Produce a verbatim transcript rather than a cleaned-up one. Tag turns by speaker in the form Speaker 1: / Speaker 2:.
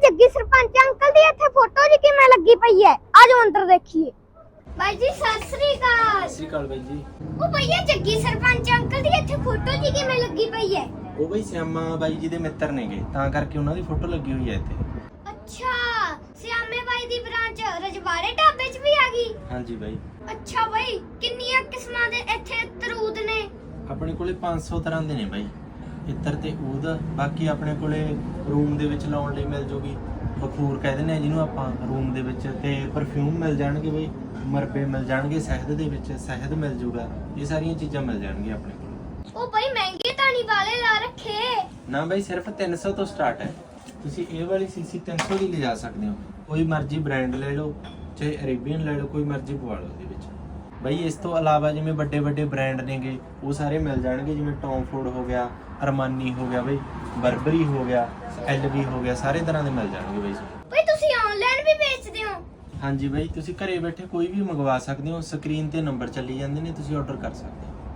Speaker 1: Jaggi sarpanch uncle दी इत्थे photo जी किवें लगी पई है। आजो अंदर देखिए। भाई जी सत श्री अकाल।
Speaker 2: सत श्री अकाल बाई जी।
Speaker 1: ओ भैया जग्गी सरपंच अंकल दी इत्थे फोटो जी किवें लगी पई है।
Speaker 2: ਉਹ ਬਈ ਸਿਆਮਾ ਬਾਈ ਜੀ ਦੇ ਮਿੱਤਰ ਨੇਗੇ ਤਾਂ ਕਰਕੇ ਉਹਨਾਂ ਦੀ ਫੋਟੋ ਲੱਗੀ ਹੋਈ ਹੈ ਇੱਥੇ।
Speaker 1: अच्छा सियामे भाई दी ब्रांच रजवाड़े ढाबे च भी आ गई।
Speaker 2: ਹਾਂਜੀ ਬਾਈ।
Speaker 1: अच्छा भाई किन्नियां किस्मां दे इत्थे तरूद ने।
Speaker 2: ਆਪਣੇ ਕੋਲੇ ਪੰਜ ਸੌ ਤਰ੍ਹਾਂ ਦੇ ਨੇ ਬਾਈ ਇੱਤਰ ਤੇ ਊਦ। ਬਾਕੀ ਆਪਣੇ ਕੋਲੇ ਰੂਮ ਦੇ ਵਿੱਚ ਲਾਉਣ ਲਈ ਮਿਲ ਜੂਗੀ ਬਖੂਰ ਕਹਿ ਦਿੰਦੇ ਆ ਜਿਹਨੂੰ ਆਪਾਂ ਰੂਮ ਦੇ ਵਿੱਚ, ਤੇ ਪਰਫਿਊਮ ਮਿਲ ਜਾਣਗੇ ਬਾਈ, ਮਰਬੇ ਮਿਲ ਜਾਣਗੇ, ਸ਼ਹਿਦ ਦੇ ਵਿੱਚ ਸ਼ਹਿਦ ਮਿਲ ਜੂਗਾ। ਇਹ ਸਾਰੀਆਂ ਚੀਜ਼ਾਂ ਮਿਲ ਜਾਣਗੀਆਂ ਆਪਣੇ ਕੋਲ।
Speaker 1: ओ भाई महंगे तानी वाले ला रखे।
Speaker 2: ਨਾ ਬਾਈ ਸਿਰਫ ਤਿੰਨ ਸੌ ਤੋਂ ਸਟਾਰਟ ਹੈ। ਤੁਸੀਂ ਇਹ ਵਾਲੀ ਸੀਸੀ ਤਿੰਨ ਸੌ ਦੀ ਲਿਜਾ ਸਕਦੇ ਹੋ। ਕੋਈ ਮਰਜ਼ੀ ਬ੍ਰਾਂਡ ਲੈ ਲਓ, ਚਾਹੇ ਅਰੇਬੀਅਨ ਲੈ ਲਓ, ਕੋਈ ਮਰਜ਼ੀ ਪਵਾ ਲਓ ਇਹਦੇ ਵਿੱਚ। ਬਾਈ ਇਸ ਤੋਂ ਇਲਾਵਾ ਜਿਵੇਂ ਵੱਡੇ ਵੱਡੇ ਬ੍ਰਾਂਡ ਨੇਗੇ ਉਹ ਸਾਰੇ ਮਿਲ ਜਾਣਗੇ, ਜਿਵੇਂ ਟੌਮ ਫੋਰਡ ਹੋ ਗਿਆ, ਅਰਮਾਨੀ ਹੋ ਗਿਆ ਬਾਈ, ਬਰਬਰੀ ਹੋ ਗਿਆ, ਐਲਵੀ ਹੋ ਗਿਆ, ਸਾਰੇ ਤਰ੍ਹਾਂ ਦੇ ਮਿਲ ਜਾਣਗੇ ਬਾਈ।
Speaker 1: भाई तुसी ऑनलाइन भी बेचदे हो।
Speaker 2: ਹਾਂਜੀ ਬਾਈ, ਤੁਸੀਂ ਘਰੇ ਬੈਠੇ ਕੋਈ ਵੀ ਮੰਗਵਾ ਸਕਦੇ ਹੋ। ਸਕਰੀਨ ਤੇ ਨੰਬਰ ਚੱਲੀ ਜਾਂਦੇ ਨੇ, ਤੁਸੀਂ ਆਰਡਰ ਕਰ ਸਕਦੇ ਹੋ।